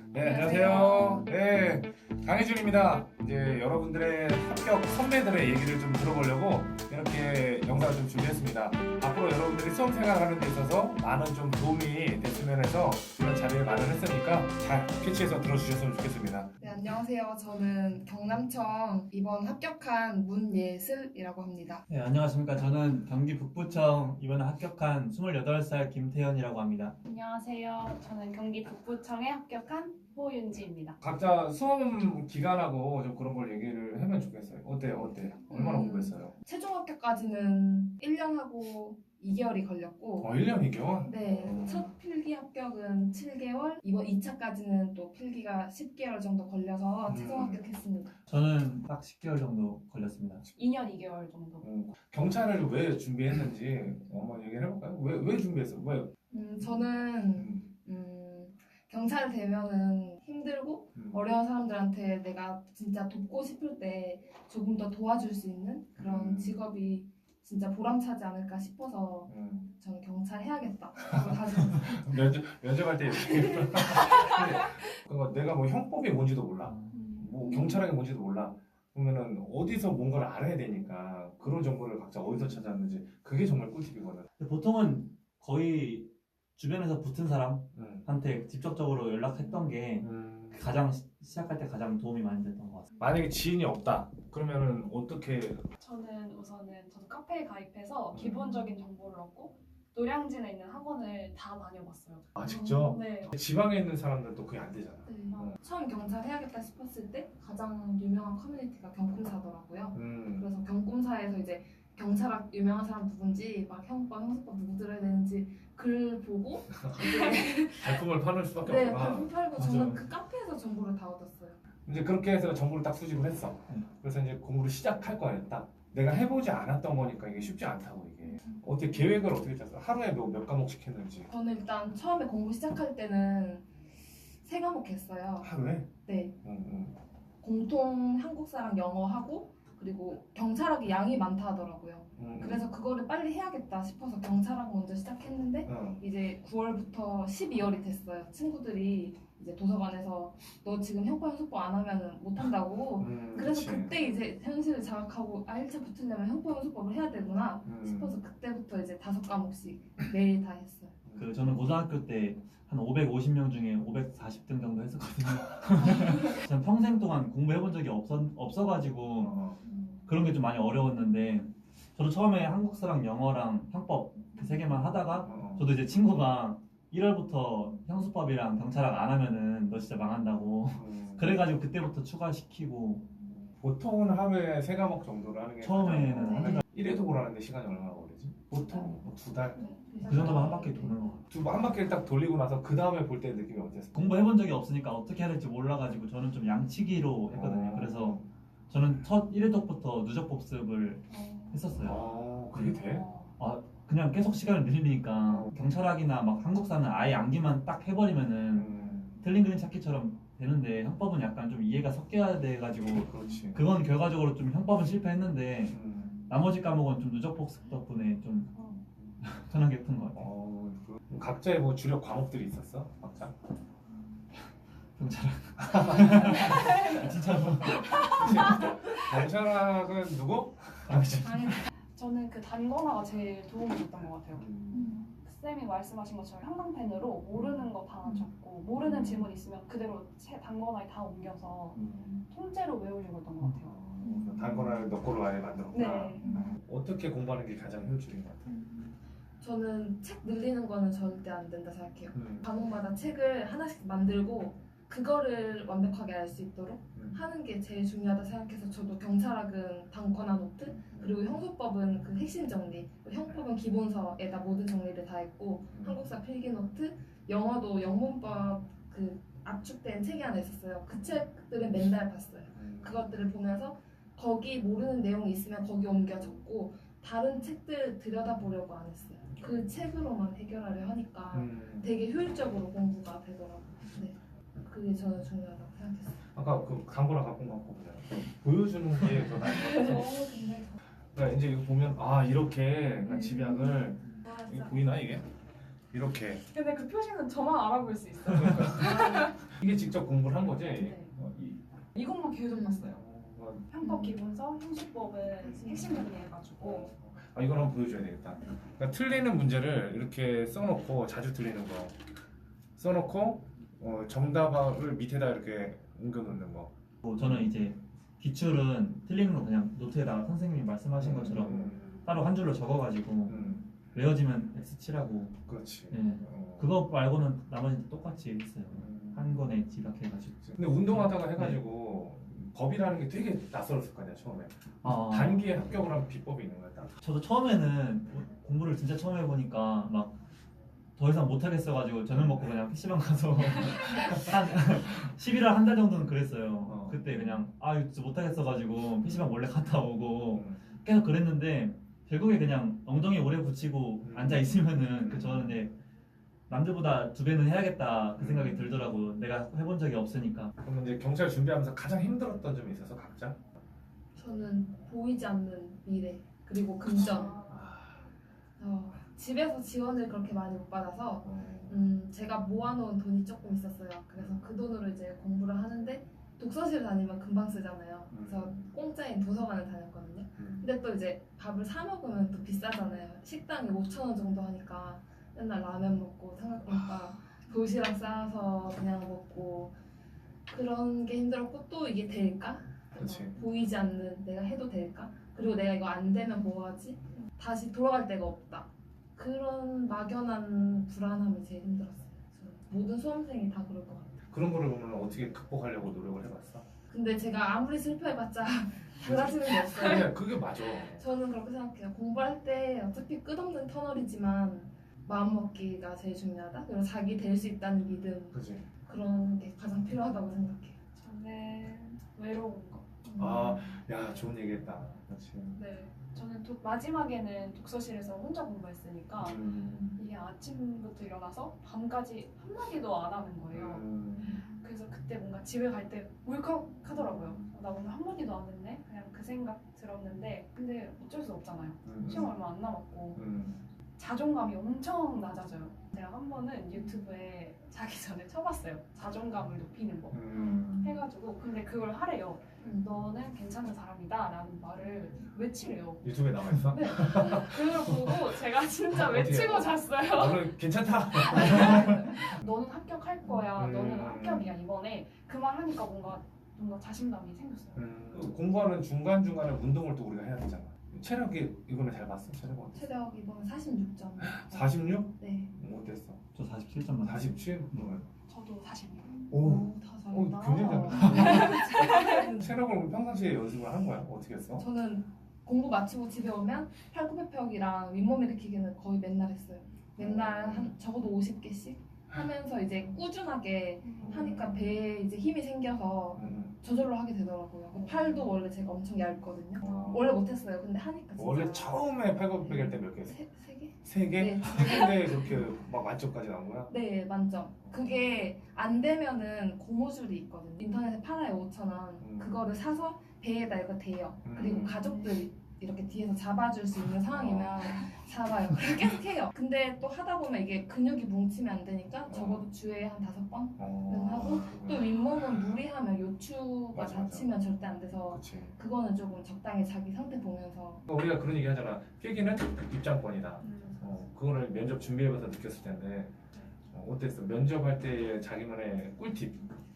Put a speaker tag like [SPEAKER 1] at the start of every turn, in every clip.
[SPEAKER 1] 네, 안녕하세요. 네, 강혜준입니다. 이제 여러분들의 합격 선배들의 얘기를 좀 들어보려고 이렇게 영상을 좀 준비했습니다. 앞으로 여러분들이 수험 생활하는 데 있어서 많은 좀 도움이 됐으면 해서 이런 자리를 마련했으니까 잘 캐치해서 들어주셨으면 좋겠습니다.
[SPEAKER 2] 네, 안녕하세요. 저는 경남청 이번 합격한 문예슬이라고 합니다.
[SPEAKER 3] 네, 안녕하십니까. 저는 경기 북부청 이번에 합격한 28살 김태현이라고 합니다.
[SPEAKER 4] 안녕하세요. 저는 경기 북부청에 합격한 호윤지입니다.
[SPEAKER 1] 각자 수험 기간하고 좀 그런 걸 얘기를 하면 좋겠어요. 어때요? 얼마나 공부했어요?
[SPEAKER 2] 최종 합격까지는 1년 하고 2개월이 걸렸고
[SPEAKER 1] 1년 2개월?
[SPEAKER 2] 네, 첫 필기 합격은 7개월, 이번 2차까지는 또 필기가 10개월 정도 걸려서 최종 합격했습니다.
[SPEAKER 3] 저는 딱 10개월 정도 걸렸습니다.
[SPEAKER 4] 2년 2개월 정도.
[SPEAKER 1] 경찰을 왜 준비했는지 한번 얘기를 해볼까요? 왜 준비했어요? 왜?
[SPEAKER 2] 저는 경찰 되면은 힘들고 어려운 사람들한테 내가 진짜 돕고 싶을 때 조금 더 도와줄 수 있는 그런 직업이 진짜 보람차지 않을까 싶어서 저는 경찰 해야겠다.
[SPEAKER 1] 면접할 때 그러니까 내가 뭐 형법이 뭔지도 몰라, 뭐 경찰학이 뭔지도 몰라. 그러면은 어디서 뭔가를 알아야 되니까 그런 정보를 각자 어디서 찾았는지 그게 정말 꿀팁이거든.
[SPEAKER 3] 근데 보통은 거의 주변에서 붙은 사람한테 직접적으로 연락했던 게 가장 시작할 때 가장 도움이 많이 됐던 것 같습니다.
[SPEAKER 1] 만약에 지인이 없다 그러면은 어떻게?
[SPEAKER 4] 저는 우선은 저도 카페에 가입해서 기본적인 정보를 얻고 노량진에 있는 학원을 다 다녀봤어요.
[SPEAKER 1] 아, 직접?
[SPEAKER 4] 네.
[SPEAKER 1] 지방에 있는 사람들도 그게 안 되잖아.
[SPEAKER 2] 네, 처음 경찰 해야겠다 싶었을 때 가장 유명한 커뮤니티가 경꿈사더라고요. 그래서 경꿈사에서 이제 경찰학 유명한 사람 누군지 막 형법, 형사법 누구 들어야 되는지 글 보고
[SPEAKER 1] 발품을 파는 수밖에
[SPEAKER 2] 네,
[SPEAKER 1] 없구나.
[SPEAKER 2] 발품 팔고
[SPEAKER 3] 맞아요.
[SPEAKER 2] 저는 그 카페에서 정보를 다 얻었어요.
[SPEAKER 1] 이제 그렇게 해서 정보를 딱 수집을 했어. 그래서 이제 공부를 시작할 거야. 딱 내가 해보지 않았던 거니까 이게 쉽지 않다고. 이게 어떻게 계획을 어떻게 짰어? 하루에 몇 과목씩 했는지.
[SPEAKER 2] 저는 일단 처음에 공부 시작할 때는 3과목 했어요.
[SPEAKER 1] 하루에?
[SPEAKER 2] 네,
[SPEAKER 1] 응.
[SPEAKER 2] 공통 한국사랑 영어하고 그리고 경찰학이 양이 많다 하더라고요. 그래서 그거를 빨리 해야겠다 싶어서 경찰학 먼저 시작했는데 이제 9월부터 12월이 됐어요. 친구들이 이제 도서관에서 너 지금 형법 형사법 안 하면 못 한다고. 그래서
[SPEAKER 1] 그치.
[SPEAKER 2] 그때 이제 현실을 자각하고 1차 붙으려면 형법 형사법을 해야 되구나 싶어서 그때부터 이제 5과목씩 매일 다 했어요.
[SPEAKER 3] 저는 고등학교 때 한 550명 중에 540등 정도 했었거든요. 저는 평생 동안 공부해본 적이 없어가지고 그런 게 좀 많이 어려웠는데 저도 처음에 한국사랑 영어랑 형법 그 3개만 하다가 저도 이제 친구가 1월부터 형수법이랑 경찰학 안 하면은 너 진짜 망한다고 그래가지고 그때부터 추가시키고
[SPEAKER 1] 보통은 하루에 3과목 정도를 하는 게
[SPEAKER 3] 처음에는
[SPEAKER 1] 가장 1회독을 하는데 시간이 얼마나 걸리지? 보통 뭐 2달?
[SPEAKER 3] 그 정도만 한 바퀴 도는 것 같아요.
[SPEAKER 1] 한 바퀴를 딱 돌리고 나서 그 다음에 볼 때 느낌이 어땠어?
[SPEAKER 3] 공부해본 적이 없으니까 어떻게 해야 될지 몰라가지고 저는 좀 양치기로 했거든요. 그래서 저는 첫 1회독부터 누적 복습을 했었어요.
[SPEAKER 1] 그게 돼?
[SPEAKER 3] 그냥 계속 시간을 늘리니까 경찰학이나 막 한국사는 아예 암기만 딱 해버리면은 틀린 그림 찾기처럼 되는데 형법은 약간 좀 이해가 섞여야 돼가지고
[SPEAKER 1] 그렇지.
[SPEAKER 3] 그건 결과적으로 좀 형법은 실패했는데 나머지 과목은 좀 누적 복습 덕분에 좀 편하게 푼 것 같아요.
[SPEAKER 1] 각자의 뭐 주력 과목들이 있었어? 각자?
[SPEAKER 3] 경찰학 진짜 뭐
[SPEAKER 1] 경찰학은 누구?
[SPEAKER 4] 저는 그 단권화가 제일 도움이 됐던 것 같아요. 쌤이 말씀하신 것처럼 형광펜으로 모르는 거 다 적고 모르는 질문 있으면 그대로 단권화에 다 옮겨서 통째로 외우려고 했던 것 같아요.
[SPEAKER 1] 단권화를 너 거로 아예 만들었구나.
[SPEAKER 4] 네.
[SPEAKER 1] 어떻게 공부하는 게 가장 효율적인 것 같아?
[SPEAKER 2] 저는 책 늘리는 거는 절대 안 된다 생각해요. 과목마다 책을 하나씩 만들고 그거를 완벽하게 알 수 있도록 하는 게 제일 중요하다 생각해서 저도 경찰학은 단권화 노트 그리고 형소법은 그 핵심 정리, 형법은 기본서에다 모든 정리를 다 했고 한국사 필기 노트, 영어도 영문법 그 압축된 책이 하나 있었어요. 그 책들은 맨날 봤어요. 그것들을 보면서 거기 모르는 내용이 있으면 거기 옮겨 적고 다른 책들 들여다보려고 안 했어요. 그 책으로만 해결하려 하니까 되게 효율적으로 공부가 되더라고요. 네. 그게 저는 중요하다고 생각했어요.
[SPEAKER 1] 아까 그 단권화 갖고 온 거 보자. 보여주는 게 더 나을 것 같아. 그러니까 이제 이거 보면 이렇게 그러니까 집약을 이게 보이나 이게? 이렇게.
[SPEAKER 4] 근데 그 표시는 저만 알아볼 수 있어요.
[SPEAKER 1] 이게 직접 공부를 한 거지?
[SPEAKER 4] 네.
[SPEAKER 1] 이-
[SPEAKER 4] 이것만 계속 봤어요.
[SPEAKER 1] 어,
[SPEAKER 4] 편법 기본서, 형식법은 핵심 정리해가지고
[SPEAKER 1] 아, 이걸 한번 보여줘야 되겠다. 그러니까 틀리는 문제를 이렇게 써놓고, 자주 틀리는 거 써놓고, 정답을 밑에다 이렇게 옮겨놓는 거.
[SPEAKER 3] 뭐 저는 이제 기출은 틀리는 거 그냥 노트에다가 선생님이 말씀하신 것처럼 따로 한 줄로 적어가지고 외워지면 X 칠하고.
[SPEAKER 1] 그렇지.
[SPEAKER 3] 네. 그거 말고는 나머지는 똑같이 했어요. 한 권에 집약해가지고.
[SPEAKER 1] 근데 운동하다가 해가지고 법이라는 게 되게 낯설었을 거 아니야 처음에.
[SPEAKER 3] 아,
[SPEAKER 1] 단기에 합격을 한 비법이 있는 거야. 딱.
[SPEAKER 3] 저도 처음에는 공부를 진짜 처음 해보니까 막 더 이상 못하겠어가지고 저녁 먹고 그냥 PC방 가서 한 11월 한 달 정도는 그랬어요. 그때 그냥 이거 진짜 못하겠어가지고 PC방 몰래 갔다 오고 계속 그랬는데 결국에 그냥 엉덩이 오래 붙이고 앉아 있으면은 저는 이제 남들보다 2배는 해야겠다 그 생각이 들더라고. 내가 해본 적이 없으니까.
[SPEAKER 1] 그럼 이제 경찰 준비하면서 가장 힘들었던 점이 있어서 각자?
[SPEAKER 2] 저는 보이지 않는 미래 그리고 금전. 집에서 지원을 그렇게 많이 못 받아서 제가 모아놓은 돈이 조금 있었어요. 그래서 그 돈으로 이제 공부를 하는데 독서실 다니면 금방 쓰잖아요. 그래서 공짜인 도서관을 다녔거든요. 근데 또 이제 밥을 사 먹으면 또 비싸잖아요. 식당이 5,000원 정도 하니까 맨날 라면 먹고 삼각김밥, 도시락 싸서 그냥 먹고 그런 게 힘들었고 또 이게 될까?
[SPEAKER 1] 그치.
[SPEAKER 2] 보이지 않는 내가 해도 될까? 그리고 내가 이거 안 되면 뭐 하지? 다시 돌아갈 데가 없다. 그런 막연한 불안함이 제일 힘들었어요. 저는. 모든 수험생이 다 그럴 것 같아요.
[SPEAKER 1] 그런 거를 보면 어떻게 극복하려고 노력을 해봤어?
[SPEAKER 2] 근데 제가 아무리 슬퍼해봤자 달라지는 게 없어요.
[SPEAKER 1] 그게 맞아.
[SPEAKER 2] 저는 그렇게 생각해요. 공부할 때 어차피 끝없는 터널이지만 마음먹기가 제일 중요하다. 그리고 자기 될 수 있다는 믿음.
[SPEAKER 1] 그지.
[SPEAKER 2] 그런 게 가장 필요하다고 생각해요.
[SPEAKER 4] 저는 외로운 거.
[SPEAKER 1] 아, 야, 좋은 얘기했다. 그렇지.
[SPEAKER 4] 네. 저는 마지막에는 독서실에서 혼자 공부했으니까 이게 아침부터 일어나서 밤까지 한마디도 안 하는 거예요. 그래서 그때 뭔가 집에 갈 때 울컥하더라고요. 나 오늘 한마디도 안 했네? 그냥 그 생각 들었는데 근데 어쩔 수 없잖아요. 시험 얼마 안 남았고 자존감이 엄청 낮아져요. 제가 한 번은 유튜브에 자기 전에 쳐봤어요. 자존감을 높이는 법 해가지고 근데 그걸 하래요. 너는 괜찮은 사람이다 라는 말을 외치래요.
[SPEAKER 1] 유튜브에 나와 있어?
[SPEAKER 4] 네. 그걸 보고 제가 진짜
[SPEAKER 1] 어떻게
[SPEAKER 4] 외치고
[SPEAKER 1] 해요?
[SPEAKER 4] 잤어요.
[SPEAKER 1] 너는 괜찮다.
[SPEAKER 4] 너는 합격할 거야. 너는 합격이야 이번에. 그 말 하니까 뭔가 자신감이 생겼어요.
[SPEAKER 1] 공부하는 중간중간에 운동을 또 우리가 해야 되잖아. 체력이 이번에 잘 봤어? 체력 어땠어?
[SPEAKER 2] 체력 이번 46점.
[SPEAKER 1] 46?
[SPEAKER 2] 네.
[SPEAKER 1] 어땠어?
[SPEAKER 3] 저 47점
[SPEAKER 1] 47?
[SPEAKER 4] 저도 46.
[SPEAKER 1] 오,
[SPEAKER 2] 다
[SPEAKER 1] 굉장히
[SPEAKER 2] 잘한다.
[SPEAKER 1] 체력을 평상시에 연습을 하는 거야? 어떻게 했어?
[SPEAKER 2] 저는 공부 마치고 집에 오면 팔굽혀펴기랑 윗몸 일으키기는 거의 맨날 했어요. 맨날 한 적어도 50개씩 하면서 이제 꾸준하게 하니까 배에 이제 힘이 생겨서 저절로 하게 되더라고요. 그 팔도 원래 제가 엄청 얇거든요. 원래 못했어요. 근데 하니까 진짜
[SPEAKER 1] 원래 처음에 팔굽혀펴기 할 때 몇 개 했어?
[SPEAKER 2] 세 개?
[SPEAKER 1] 3개?
[SPEAKER 2] 네.
[SPEAKER 1] 3개인데 그렇게 막 만점까지 나온 거야?
[SPEAKER 2] 네, 만점. 그게 안 되면은 고무줄이 있거든요. 인터넷에 팔아요, 5,000원. 그거를 사서 배에다 이거 대요. 그리고 가족들 이렇게 뒤에서 잡아줄 수 있는 상황이면 잡아요. 그리고 계속 해요. 근데 또 하다 보면 이게 근육이 뭉치면 안 되니까 적어도 주에 한 5번은 하고 또 윗몸은 무리하면 요추가
[SPEAKER 1] 맞아.
[SPEAKER 2] 다치면 절대 안 돼서
[SPEAKER 1] 그치.
[SPEAKER 2] 그거는 조금 적당히 자기 상태 보면서
[SPEAKER 1] 우리가 그런 얘기 하잖아. 필기는 입장권이다. 그거를 면접 준비해봐서 느꼈을 텐데 어땠어? 면접할 때 자기만의 꿀팁.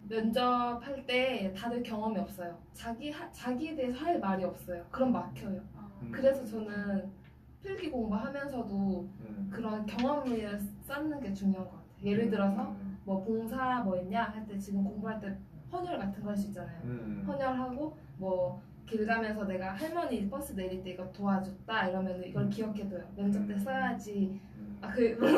[SPEAKER 2] 면접할 때 다들 경험이 없어요. 자기에 대해서 할 말이 없어요. 그럼 막혀요. 그래서 저는 필기 공부하면서도 그런 경험을 쌓는 게 중요한 것 같아요. 예를 들어서 뭐 봉사 뭐 했냐 할 때 지금 공부할 때 헌혈 같은 거 할 수 있잖아요. 헌혈하고 뭐 길 가면서 내가 할머니 버스 내릴 때 이거 도와줬다 이러면 이걸 기억해둬요. 면접 때 써야지. 물론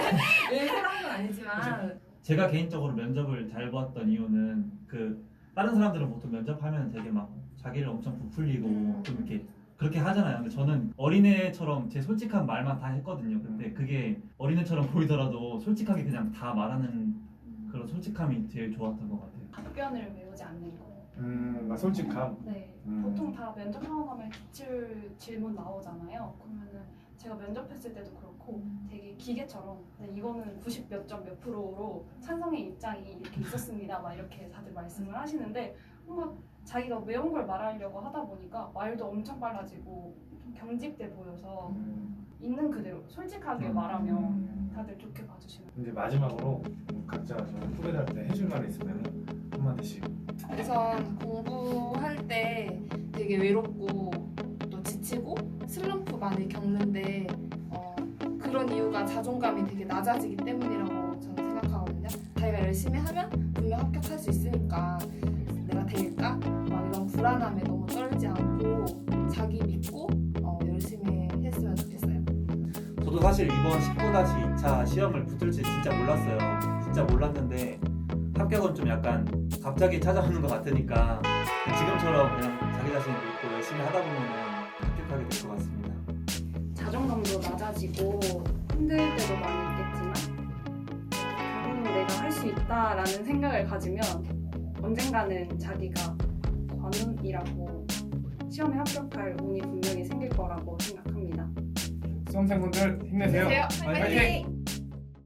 [SPEAKER 2] 일부러 한 건 아니지만
[SPEAKER 3] 제가 개인적으로 면접을 잘 봤던 이유는 다른 사람들은 보통 면접하면 되게 막 자기를 엄청 부풀리고 좀 이렇게 그렇게 하잖아요. 근데 저는 어린애처럼 제 솔직한 말만 다 했거든요. 근데 그게 어린애처럼 보이더라도 솔직하게 그냥 다 말하는 그런 솔직함이 제일 좋았던 것 같아요.
[SPEAKER 4] 답변을 외우지 않는 거.
[SPEAKER 1] 솔직함.
[SPEAKER 4] 네. 보통 다 면접하고 나면 기출 질문 나오잖아요. 그러면은 제가 면접했을 때도 그렇고 않고 되게 기계처럼 근데 이거는 90 몇 점 몇 프로로 찬성의 입장이 이렇게 있었습니다. 막 이렇게 다들 말씀을 하시는데 뭔가 자기가 외운 걸 말하려고 하다 보니까 말도 엄청 빨라지고 좀 경직돼 보여서 있는 그대로 솔직하게 말하면 다들 좋게 봐주시는.
[SPEAKER 1] 이제 마지막으로 각자 저 후배들한테 해줄 말이 있으면 한마디씩.
[SPEAKER 2] 우선 공부할 때 되게 외롭고 또 지치고 슬럼프 많이 겪는데 그런 이유가 자존감이 되게 낮아지기 때문이라고 저는 생각하거든요. 자기가 열심히 하면 분명 합격할 수 있으니까 내가 될까? 막 이런 불안함에 너무 떨지 않고 자기 믿고 열심히 했으면 좋겠어요.
[SPEAKER 3] 저도 사실 이번 19-2차 시험을 붙을지 진짜 몰랐어요. 진짜 몰랐는데 합격은 좀 약간 갑자기 찾아오는 것 같으니까 지금처럼 그냥 자기 자신을 믿고 열심히 하다 보면 합격하게 될 것 같습니다.
[SPEAKER 4] 자존감도 낮아지고 힘들 때도 많이 있겠지만 내가 할 수 있다라는 생각을 가지면 언젠가는 자기가 관운이라고 시험에 합격할 운이 분명히 생길 거라고 생각합니다.
[SPEAKER 1] 수험생분들 힘내세요.
[SPEAKER 2] 화이팅!